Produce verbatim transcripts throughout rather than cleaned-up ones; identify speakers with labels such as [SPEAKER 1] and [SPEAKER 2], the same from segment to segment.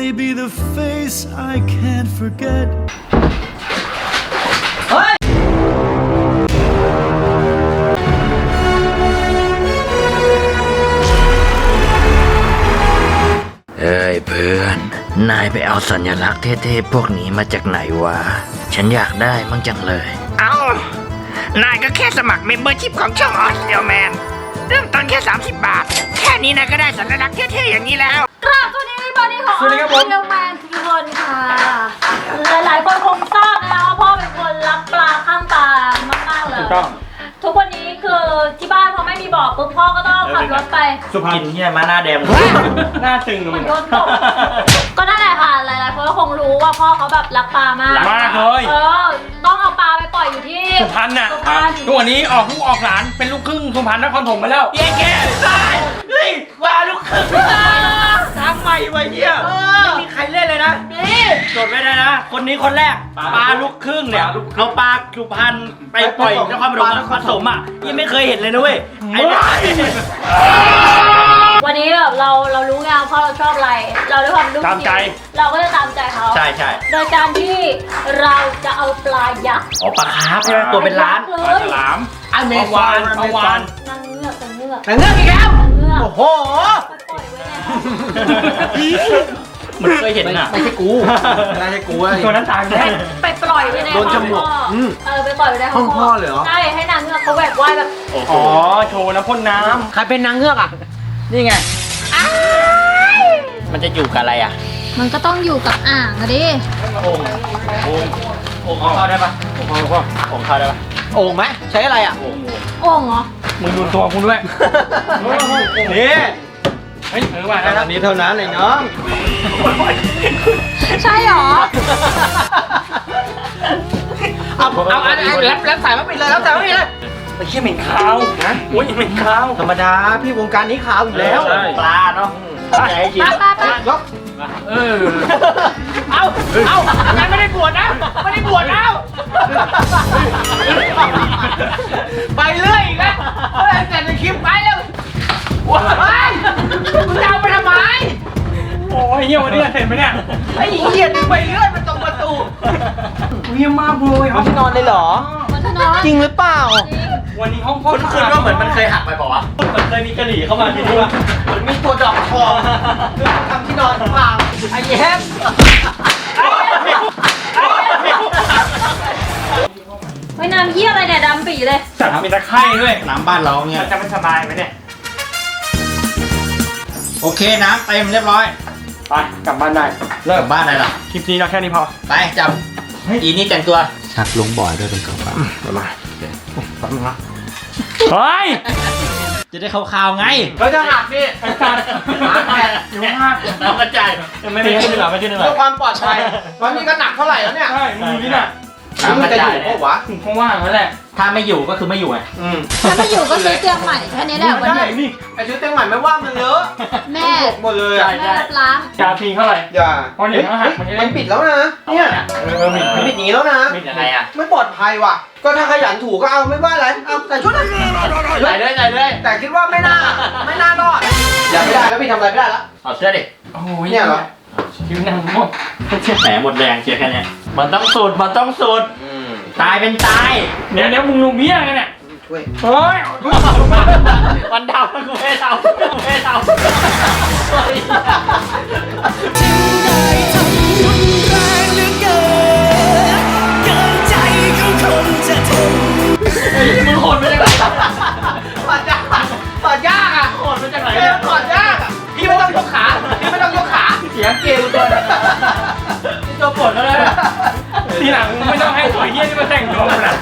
[SPEAKER 1] may be the face I can't forget
[SPEAKER 2] เอ้ยเพื่อนนายไปเอาสัญลักษณ์เท่ๆพวกนี้มาจากไหนวะฉันอยากได้มั่งจังเลยเอานายก็แค่สมัครเมมเบอร์ชิพของช่องออสเดียลแมนเริ่มต้นแค่สามสิบบาทแค่นี้นายก็ได้สัญลักษณ์เท่ๆอย่างนี้แล้ว
[SPEAKER 3] กราบสวัสดีบอดี้ของออสเดียลแมนทุกคนค่ะหลายๆคนคงทราบนะคะว่าพ่อเป็นคนรักปลาข้ามปลามากๆเลยทุกวันนี้คือที่บ้านพอไม่มีบ่อปุ๊บพ่อก็ต้องขับรถไป
[SPEAKER 2] สุพรรณเนี่ยมาหน้าแดง
[SPEAKER 4] หน้าตึง
[SPEAKER 3] เหมือนโดนตกก็นั่นแหละค่ะหลายๆคนก็คงรู้ว่าพ่อเขาแบบรักปลามาก
[SPEAKER 4] มากเลย
[SPEAKER 3] เออต้องเอาปลาไปปล่อยอยู่ที่
[SPEAKER 4] สุพรรณน่ะทุกวันนี้ออกลูกออกหลานเป็นลูกครึ่งสุพรรณนครถมไปแล้ว
[SPEAKER 2] แย่แก่ตายเฮ้ยว่าลูกครึ่งทำใหม่ไว้เหี้ยไม่มีใครเล่นเลยนะนี่จดไว้เลยนะคนนี้คนแรกปลาลูกครึ่งเนี่ยเอาปลาสุพรรณไปปล่อยนครปฐมนครสมอ่ะยังไม่เคยเห็นเลยนะเว้ยไอ้
[SPEAKER 3] วันนี้แบบเราเรารู้ไงพ่อเราชอบอะไรเราด้วยความรู้
[SPEAKER 4] ตามใจ
[SPEAKER 3] เราก็จะตามใจเขา
[SPEAKER 2] ใช่ใช่
[SPEAKER 3] โดยการที่เราจะเอาปลายักษ์
[SPEAKER 2] อ๋อปลาคาร์ฟใช่ไหมตัวเป็นล้าน
[SPEAKER 4] ปลาฉลาม
[SPEAKER 2] อเมซอน
[SPEAKER 4] อวาน
[SPEAKER 3] นางเงือกนางเงือก
[SPEAKER 2] นางเงือกอีกแล้ว
[SPEAKER 3] โอ้
[SPEAKER 2] โห
[SPEAKER 3] ปล่อยไว้แล้ว
[SPEAKER 2] มันเคยเห็นน่ะไม่ใช่กูไม่ใช่กูอะไร
[SPEAKER 4] ตัวนั้นตายแน่
[SPEAKER 3] ไปปล่อยไว้ในห้องพ่อเออไปปล่อยไว้ในห้องพ่อเลยเหรอใช่ให้นางเงือกเขาแหวกว่ายแบบ
[SPEAKER 4] อ๋อโชว์น้ำพ่นน้
[SPEAKER 2] ำใครเป็นนางเงือกอ่ะนี่ไงมันจะอยู่กับอะไรอ่ะ
[SPEAKER 3] มันก็ต้องอยู่กับอ่างอะดิ
[SPEAKER 2] โอ่งโอ่งโอ่งเข้าได้ปะโอ่งเข้าโอ่งเข้าได้ปะโอ่งไหมใช้อะไรอ่ะโอ่ง
[SPEAKER 3] โอ่งเหรอ
[SPEAKER 4] มึงดูตัวคุณด้วย
[SPEAKER 2] นี่
[SPEAKER 4] เฮ้ยเออว่าแล้ว
[SPEAKER 2] อันนี้เท่านั้นเลยเนาะ
[SPEAKER 3] ใช่หรอ
[SPEAKER 2] เอาเอาอันนี้แล้วแล้วใส่มาปิดเลยแล้วใส่มาปิดเลย
[SPEAKER 4] ไอ้เขี้ยเหม็นขาวนะโอ้ยเหม็นขาว
[SPEAKER 2] ธรรมดาพี่วงการนี้ขาวอยู่แล้วปลาเนาะใจจริงยก
[SPEAKER 4] เออ
[SPEAKER 2] เอาเอางั้นไม่ได้บวชนะไม่ได้บวชแล้วไปเรื่อยอีกแล้วแต่ในคลิปไปแล้วว้ายมึงจะเอาไปทำไม
[SPEAKER 4] โอ้ยเหี้ยวันนี้เห็นไหมเนี่ย
[SPEAKER 2] ไอ้เหี้ยดึงไปเรื่อยมันตรงประตู
[SPEAKER 4] เหี้ยมากเลย
[SPEAKER 2] เอาที่นอนเลยเหรอจริงหรือเปล่า
[SPEAKER 4] วันนี้ห้องพ่อ
[SPEAKER 2] คุณคืนว่าเหมือนมันเคยหักไปบอกว่าเหมือนเคยมีกระหรี่เข้ามาที่นี่ว่าเหมือนมีตัวดอกทองคือทำที่นอนเปล่าไอ้แย้ม
[SPEAKER 3] ไม่น้ำเยี่ยอะไรเนี่ยดำปีเลย
[SPEAKER 4] จัดเป็นตะไคร่ด้วย
[SPEAKER 2] น้ำบ้านเราเนี่ย
[SPEAKER 4] จะไม่สบายไหมเนี่ย
[SPEAKER 2] โอเคน้ำเต็มเรียบร้อย
[SPEAKER 4] ไปกลับบ้านได้
[SPEAKER 2] เลิกบ้านได้หรอ
[SPEAKER 4] คลิปนี้เราแค่นี้พอ
[SPEAKER 2] ไปจับอีนี่แต่งตัวชักลงบ่อยด้วยเป็นกระเป๋า
[SPEAKER 4] มามาแป๊บนึงนะเฮ้ย
[SPEAKER 2] จะได้ข่าวๆไง
[SPEAKER 4] เขาจะหักนี่ไอ้สัตว์หักแผ่อยู่หัก
[SPEAKER 2] น้ำกระจาย
[SPEAKER 4] ไม่ไม่ขึ้นหรอไม่ขึ้นหรอ
[SPEAKER 2] เพื่อความปลอดภัยตอนนี้ก็หนักเท่าไหร่แล้วเนี่ย
[SPEAKER 4] ใช่มึงดูนี่น่ะ
[SPEAKER 2] น้ำกระจายเพราะว่า
[SPEAKER 4] เพราะว่านั่นแหละ
[SPEAKER 2] ถ้าไม่อยู่ก็คือไม่อยู่ไง
[SPEAKER 3] ถ้าไม่อยู่ก็ซื้อเตียงใหม่แค่นี้แหละวันนี้
[SPEAKER 2] ไอ้ซื้อเตียงใหม่ไม่ว่ามันเยอะ
[SPEAKER 3] แม่
[SPEAKER 2] หมดเลย
[SPEAKER 3] แม่รับล้าง
[SPEAKER 4] ยาพิงเท่าไหร่
[SPEAKER 2] อย่า
[SPEAKER 4] พอเดี๋ยวหัก
[SPEAKER 2] มันปิดแล้วนะเนี่ยมันปิดหนีแล้วนะ
[SPEAKER 4] ปิดยังไงอ่ะ
[SPEAKER 2] ไม่ปลอดภัยว่ะก็ถ้าขยันถูก็เอาไม่ว่าอะไรเอาใส่ชุดใส่เลยใส่เลยแต่คิดว่าไม่น่าไม่น่ารอดอย่าไม่ได้แล้วพี่ทำอะไรไม่ได้แล้วเอาเสื้อดิ
[SPEAKER 4] โอ้ย
[SPEAKER 2] เนี่ยเหรอ
[SPEAKER 4] คิ้วนั่งหมด
[SPEAKER 2] แหมหมดแรงเชียร์แค่นี้มันต้องสูดมันต้องสูดตายเป็นตาย
[SPEAKER 4] เดี๋ยวเดี๋ยวมึงลุงเบี้ยกันเนี่ย
[SPEAKER 2] ช่วย
[SPEAKER 4] เฮ้ย
[SPEAKER 2] วันดาวกูไม่ดาวกูไม่ดาว
[SPEAKER 1] ถึงได้ทำรุนแรงเหลือเกินเกินใจของคนจะทน
[SPEAKER 2] มึงโหดไปจากไหนปอดยากปอดยากอ่ะโหดไปจากไหนปอดยากอ่ะพี่ไม่ต้องยกขาพี่ไม่ต้องยกขาเสียงเกลตัวตัวปวดแล้วเลย
[SPEAKER 4] ทีหลังไม่ต้องให้ตัวเยี่ยนี่มาแต่งตัวนะ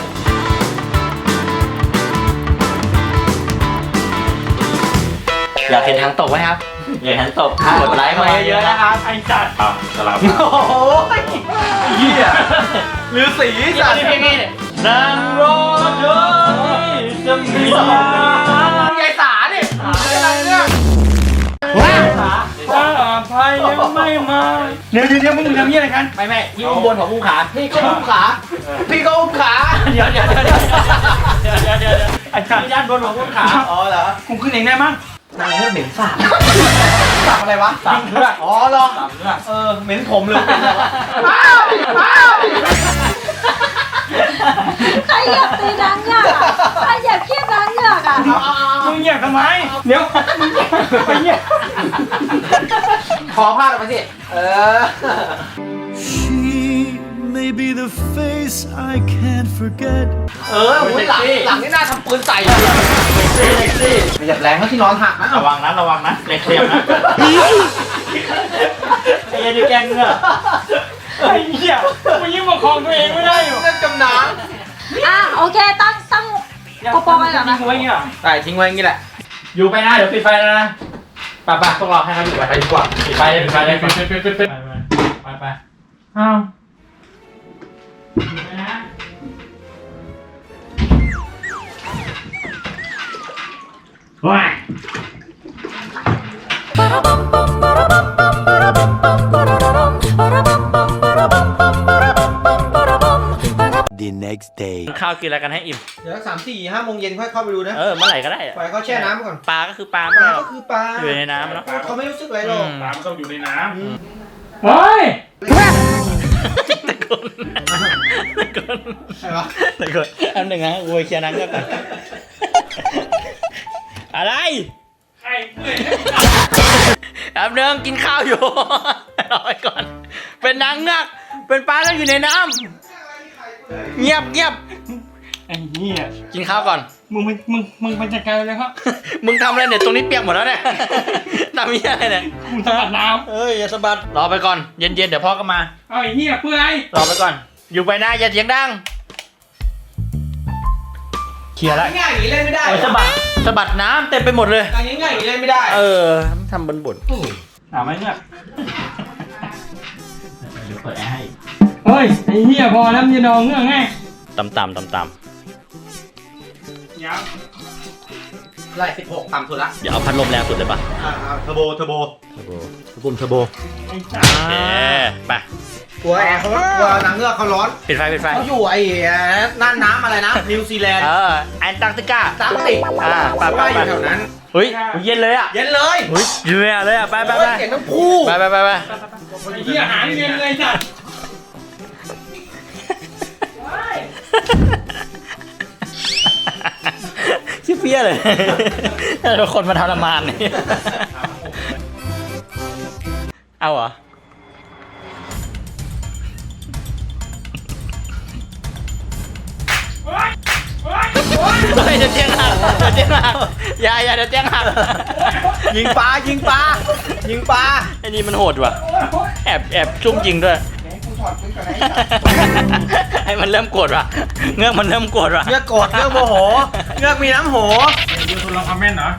[SPEAKER 2] อยากเห็นทางตกไหมครับอยากเห็นตกกดไลค์มาเยอะๆนะครับ
[SPEAKER 4] ไอ้จัดครับสลับ
[SPEAKER 2] โอ้โหเหี้ยหรือสีจัดพี่พี่นั่งรอเธอจะมียายสาดิอะไรเนี่ยว้า
[SPEAKER 4] ถ้าอภัยยังไม่มาเดี๋ยวเดี๋ยวมึงทำยี่อะไรกัน
[SPEAKER 2] ไม่ไม่พี่อุ้มบนของอุ้มขาพี่ก็อุ้มขาพี่ก็อุ้มขา
[SPEAKER 4] เดี๋ยวเดี๋ยวเดี๋ยวเดี๋ยวเดี๋ยวเดี๋ยวไอ้ข้า
[SPEAKER 2] ด้านบนของอุ้มขาอ๋อเหรอ
[SPEAKER 4] กูขึ้นเองได้มั้ง
[SPEAKER 2] นางเลือดเหม็นสาบ
[SPEAKER 4] สาบอะไร
[SPEAKER 5] อะไรวะ
[SPEAKER 4] สามเลือด
[SPEAKER 5] อ๋อเหรอ
[SPEAKER 4] สามเลือด
[SPEAKER 5] เออเหม็นผมเลยเป็นอะไรวะ
[SPEAKER 3] ใครอยากตีนางเงือกอ่ะใครอยากเครียดนางเงือกอ่ะ
[SPEAKER 4] มึงอยากทำไมเดี๋ยวมึงไปเนี่ย
[SPEAKER 5] ขอพาดออกมาสิเออ
[SPEAKER 1] She may be the face I can't forget
[SPEAKER 5] เออหุ้ยหลังหลังนี่น่าทำปืนใส่เลยไม่หยับแรงเขาที่นอนหักนะ
[SPEAKER 4] ระวังนะระวังนะเล็กเคลียมนะไอ้เหี้ยดิแกงเงือกไอ้เหี้ยมึงยิ่งประคองตัวเองไม่ได้อยู่
[SPEAKER 5] เรื่องจำน้
[SPEAKER 3] อ่ะโอเคตั้งตั้งกระโปรงไว้ก่อนนะ
[SPEAKER 4] ทิ้งไว้เงี้ย
[SPEAKER 5] ำใส่ทิ้งไว้อย่างนี้แหละ
[SPEAKER 4] อยู่ไปนะเดี๋ยวปิดไฟแล้วนะไปไปพวกเราให้เขาอยู่ไปดีกว่าปิดไฟเลยปิดไฟเลยปิดปิดปิดปิดปิดไปไปอ้าวอยู่ไปนะ ว้าย
[SPEAKER 1] The next day
[SPEAKER 2] ข้าวกินอะไรกันให้อิ่ม
[SPEAKER 5] เดี๋ยวสามสี่ห้าโมงเย็นค่อยเข้าไปดูนะ
[SPEAKER 2] เออเมื่อไหร่ก็ได้อะ
[SPEAKER 5] ปล่อยเขาแช่น้ำไปก่อน
[SPEAKER 2] ปลาก็คือปลา
[SPEAKER 5] ป
[SPEAKER 2] ไม่
[SPEAKER 5] ลา
[SPEAKER 2] ได้หร
[SPEAKER 5] ก็
[SPEAKER 2] อก
[SPEAKER 5] คือปลา
[SPEAKER 2] อยู่ในน้ำเนาะ
[SPEAKER 5] เขาไม่รู้สึกอะไรหรอก
[SPEAKER 4] ปลามันต้องอยู่ในน้ำเฮ้ย
[SPEAKER 2] ตะโกนตะโกน
[SPEAKER 5] ใช่ปะ
[SPEAKER 2] ตะโกนอันหนึ่งนะกูไปเคลียร์นังก็ก่อนอะไร
[SPEAKER 4] ไข่เปื่อย
[SPEAKER 2] แป๊บนึงกินข้าวอยู่รอไปก่อน เป็นนางเงือกเป็นปลาแล้วอยู่ในน้ำเงียบเงียบ
[SPEAKER 4] ไอ้เหี้ย
[SPEAKER 2] กินข้าวก่อน
[SPEAKER 4] มึงมึงมึงมึงเป็นจัดการเลยครับ
[SPEAKER 2] มึงทำอะไรเนี่ยตรงนี้เปียกหมดแล้วเนี่ยทำยังไงเนี่ย
[SPEAKER 4] มึงสลัดน้
[SPEAKER 2] เอ้ยอย่าสะบัดรอไปก่อนเย็นๆเดี๋ยวพ่อก็มา
[SPEAKER 4] ำเอาไอ้เหี้ยเปื่อย
[SPEAKER 2] รอไปก่อน อยู่ไปนะอย่าเสียงดังเคลียร์ละ
[SPEAKER 5] ง่ายๆอย่างนี้เล่นไม่ได้
[SPEAKER 2] โอ้ยสะบัดสะบัดน้ำเต็มไปหมดเลย
[SPEAKER 5] อย่างง่ายๆอย่างนี้เล่นไม่ได้
[SPEAKER 2] เออทำบนบน
[SPEAKER 4] ถามไหมเนี่ย
[SPEAKER 2] เดี๋ยวเปิดแอร์ให้
[SPEAKER 4] เฮ้ยไอ้เหี้ยพอแล้วมึงจะดองเงื่อนไง
[SPEAKER 2] ต่ำต่ำต่ำต่
[SPEAKER 4] ยัง
[SPEAKER 5] ไล่สิบหกต่ำสุดละ
[SPEAKER 2] ำเดี๋ยวเอาพัดลมแรงสุดเลยปะ
[SPEAKER 5] อ่าเทอร์โบเทอร์โบ
[SPEAKER 2] เทอร์โบปุ่มเทอร์โบ
[SPEAKER 4] ไอ้จ้า
[SPEAKER 2] โอเคไป
[SPEAKER 5] กลัวแอร์เขากลัวหนังเงือกเขาร้อน
[SPEAKER 2] ปิดไฟปิดไฟ
[SPEAKER 5] เขาอยู่ไอ้น่านน้ำอะไรนะนิวซีแลนด์
[SPEAKER 2] เออแอนตาร์กติกา
[SPEAKER 5] ตามติก
[SPEAKER 2] อ่าไป
[SPEAKER 5] เขา
[SPEAKER 2] ไป
[SPEAKER 5] ว่าอ
[SPEAKER 2] ไป
[SPEAKER 5] ยู่แถวนั้น
[SPEAKER 2] เฮ้ยเย็นเลยอ่ะ
[SPEAKER 5] เย็นเลย
[SPEAKER 2] เฮ้ยเย็นเลยอ่ะไปไปไป
[SPEAKER 5] โอ้ยเสียงน้ำพุ
[SPEAKER 2] ไปไปไปไป
[SPEAKER 4] ไอ้เหี้ยหางเย็นเลยจ้ะ
[SPEAKER 2] ชิเฟี้ยเลยเราคนมาทรมานนี่เอาเหรอเฮ้ยเดี๋ยวเตียงหักเดี๋ยวเตียงหักอย่าอย่าเดี๋ยวเตียงหัก
[SPEAKER 5] ยิงปลายิงปลายิงปลา
[SPEAKER 2] ไอ้นี่มันโหดว่ะแอบแอบซุ่มยิงด้วย ให้มันเริ่มโกรธว่ะเงือกมันเริ่มโกรธว่ะ
[SPEAKER 5] เงือกโกรธเงือกโมโหเงือกมีน้ำโห
[SPEAKER 4] ดูทุนลองคอมเมนต์เหรอ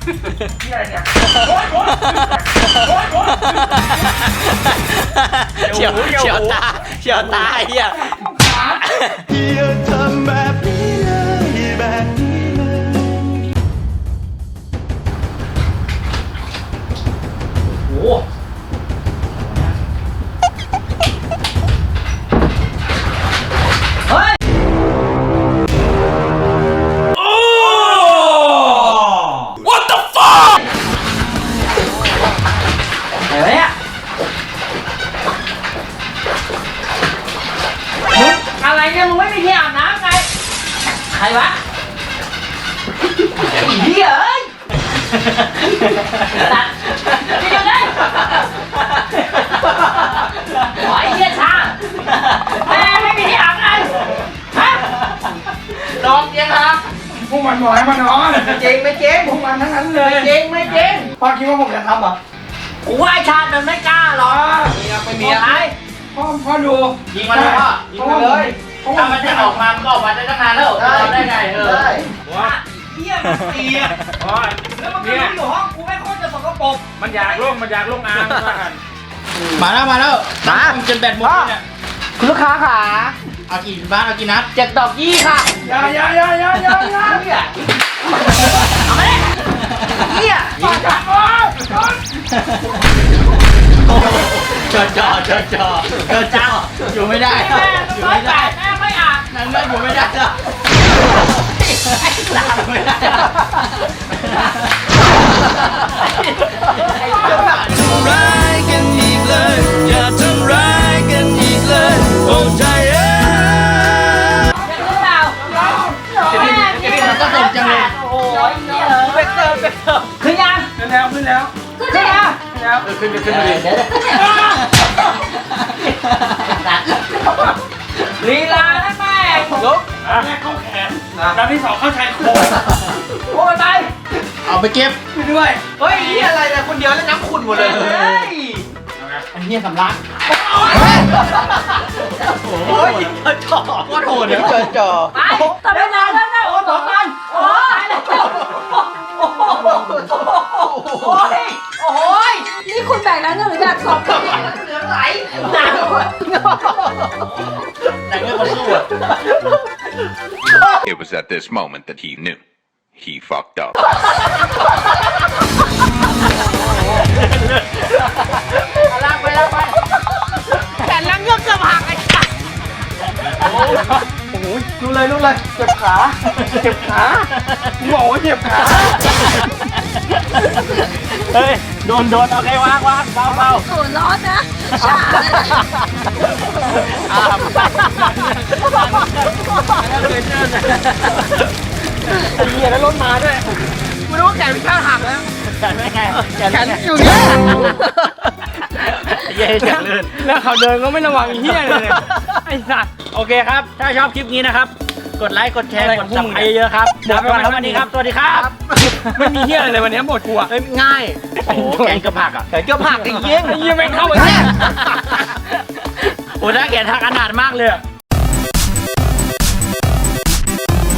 [SPEAKER 2] เฉียวเฉียวตาเฉียวตาไอ้เหี้ย
[SPEAKER 1] อย่าทำแบบนี้เลยแบบนี้เลย
[SPEAKER 2] โอ้อะไรเนี่ย
[SPEAKER 3] อะไรเนี่ยมึงไม่มีที่อาบน้ำไง
[SPEAKER 2] ใครวะ
[SPEAKER 3] เหี้ยเอ้ยตัดนี่กันเลยโอ้ยเหี้ยชาแม่ไม่มีที่อาบน้ำฮะ
[SPEAKER 2] นอนเตียงหัก
[SPEAKER 4] พวกมันบอกให้มานอน
[SPEAKER 5] เจ๊งไม่เจ๊ง
[SPEAKER 4] พวกมันทั้งนั้นเลย
[SPEAKER 5] เจ๊งไม่เจ๊ง
[SPEAKER 4] พ่อคิดว่าผมจะทำเหรอ
[SPEAKER 3] กูว่าไอ้ชาติมันไม่กล้าหรอก
[SPEAKER 5] มีอะไม่มีอะ
[SPEAKER 3] ไอ้
[SPEAKER 4] พ่อพ่อดู
[SPEAKER 2] ยิงมันเลยพ่อ
[SPEAKER 5] ยิงมาเลย
[SPEAKER 2] ถ้ามันจะออกมามันก็ออกมาได้ตั้งนานแล้วทำได้ไงเออ
[SPEAKER 5] ได้
[SPEAKER 3] เหี้ยมันเสีย
[SPEAKER 4] พ่อ
[SPEAKER 3] แล้วมันก็
[SPEAKER 4] เนี่ย
[SPEAKER 3] รู้อยู่ห้องกูไม่ค่อยจะสกปรก
[SPEAKER 4] มันอยากลงมันอยากลงอ่างว่ากัน
[SPEAKER 2] มาแล้วมาแล้ว
[SPEAKER 5] มา
[SPEAKER 2] จนแบตหมดเลยเนี่ย
[SPEAKER 5] คุณลูกค้าขา
[SPEAKER 2] เอากี่บ้านเอากี่นัด
[SPEAKER 5] เจ็ดดอกยี่ค่ะ
[SPEAKER 4] อย่าอย่าอย่าอย่าอย่าอย่า
[SPEAKER 5] เนี่ย
[SPEAKER 3] เอามาเลย
[SPEAKER 5] เนี่ย
[SPEAKER 4] ปากกันวะ
[SPEAKER 2] จอจอจอจอจอจออยู่ไม่ได้
[SPEAKER 3] แม่
[SPEAKER 2] อยู่
[SPEAKER 3] ร้อย
[SPEAKER 2] ไม่
[SPEAKER 3] แป
[SPEAKER 2] ได้
[SPEAKER 3] ดแม่ไม่อ่าน
[SPEAKER 2] นั่นนั่นอยู่ไม่ได้แล้วอยู่ไม่ได้แล้ว
[SPEAKER 5] ขึ้นยัง
[SPEAKER 4] ขึ้นแล้วขึ้นแล้ว
[SPEAKER 3] ขึ้น
[SPEAKER 5] ขึ้น
[SPEAKER 3] ดิ
[SPEAKER 5] ยัง
[SPEAKER 4] ขึ้นแล้วขึ้นขึ้นขึ้นเลย
[SPEAKER 5] ลีลาได้แม่งลุก
[SPEAKER 4] อ่ะแรกเข้าแขนแล้วที่สองเข้าชายโครง
[SPEAKER 5] โอ้ยไป
[SPEAKER 2] เอาไปเก็บ
[SPEAKER 4] ไปด้วย
[SPEAKER 5] เฮ้ยนี่อะไรเนี่ยคนเดียวแล้วน้ำขุ่นหมดเลยเฮ้ยไอ้เหี้ยสำลักโอ้ยเจอจ่อโคตรโหดเลยเจอจ่อ
[SPEAKER 3] ไปทำไมนานแล้วนะ
[SPEAKER 5] โอ้สองพัน
[SPEAKER 3] โอ้ย
[SPEAKER 5] โอ้ยโอ้ย
[SPEAKER 3] นี่คุณแบ่งแล้วหนึ่งหรือแบ่งสองกันเนี่ย
[SPEAKER 5] เหลือไหลหนัก
[SPEAKER 2] แต่เงี้ยคนสู้อะ
[SPEAKER 6] It was at this moment that he knew. He fucked up.
[SPEAKER 5] ลากไปลากไปแขนลังเงือกเกือบหักไอ้สัสโอ้โหรู้เลยรู้เลยเจ็บขาเจ็บขาบอกว่าเจ็บขา
[SPEAKER 4] เฮ้ยโดนโดนโอเควางวางเบาเบา
[SPEAKER 3] โอ้ร้อนนะชาเลย
[SPEAKER 5] ไอ้เหี้ยแล้วรถมาด้วยกูรู้ว่าแขนพี่ชาหักแล้ว
[SPEAKER 4] แขนไม่ไงแขน
[SPEAKER 5] แขนอยู่เนี่ย
[SPEAKER 4] เย้จังลื่นแล้วเขาเดินก็ไม่ระวังเฮี้ยเลยไอ้สัตว์โอเคครับ ถ้าชอบคลิปนี้นะครับ กดไลค์กดแชร์กดซับสไครต์เยอะๆครับหมดไปวันนี้ครับสวัสดีครับไม่มีเฮี้ยอะไรเลยวันนี้หมดกูอ่ะ
[SPEAKER 5] เฮ้ยง่าย
[SPEAKER 2] โอ้โหแกงกระผักอ่ะ
[SPEAKER 5] แขนเกือบหักไอ้เหี้ย
[SPEAKER 4] ไอ้เหี้ยแม่งเข้าไปเนี่ยโอ้ถ้าแกทักอนาถมากเลยอะ